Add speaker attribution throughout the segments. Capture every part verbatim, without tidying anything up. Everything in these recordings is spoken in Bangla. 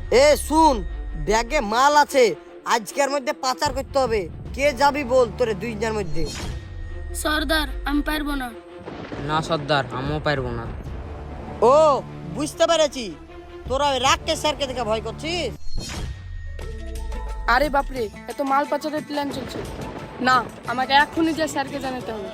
Speaker 1: এ শুন, ব্যাগে মাল আছে, আজকের মধ্যে পাচার করতে হবে। কে যাবি বল তোরে দুইজনের মধ্যে?
Speaker 2: সর্দার আমি পারবো না।
Speaker 3: না সর্দার, আমিও পারবো না।
Speaker 1: ও বুঝতে পেরেছি, তোরা ওই রাগকে স্যারকে দেখে ভয় করছিস।
Speaker 2: আরে বাপরে, এত মাল পাচারের প্ল্যান চলছে। না, আমাকে এক্ষুনি যে স্যারকে জানাতে হবে।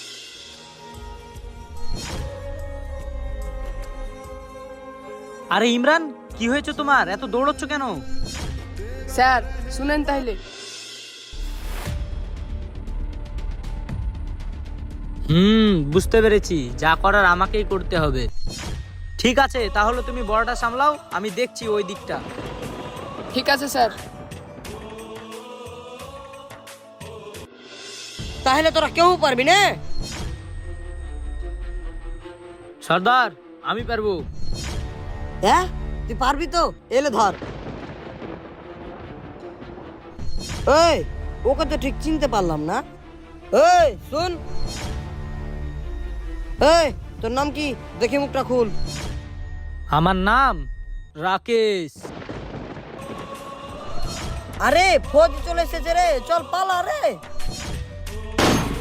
Speaker 4: আরে ইমরান, কি হয়েছে তোমার? এত দৌড়চ্ছ কেন?
Speaker 2: স্যার শুনেন তাইলে।
Speaker 4: হুম, বুঝতে পেরেছি, যা করার আমাকেই করতে হবে। ঠিক আছে, তাহলে তুমি বড়টা সামলাও, আমি দেখছি ওই দিকটা।
Speaker 2: ঠিক আছে স্যার।
Speaker 1: তাহলে তোরা কেউ পারবি না?
Speaker 4: সর্দার আমি পারবো।
Speaker 1: হ্যাঁ তুই পারবি তো? এলে ধর। এই ওকে তো ঠিক চিনতে পারলাম না। এই শুন, এই তোর নাম কি? দেখি মুখটা খুল।
Speaker 4: আমার নাম রাকেশ।
Speaker 1: আরে ফৌজ চলে এসেছে রে, চল পালা রে।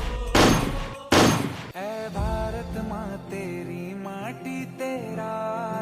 Speaker 5: है भारत माँ तेरी माटी तेरा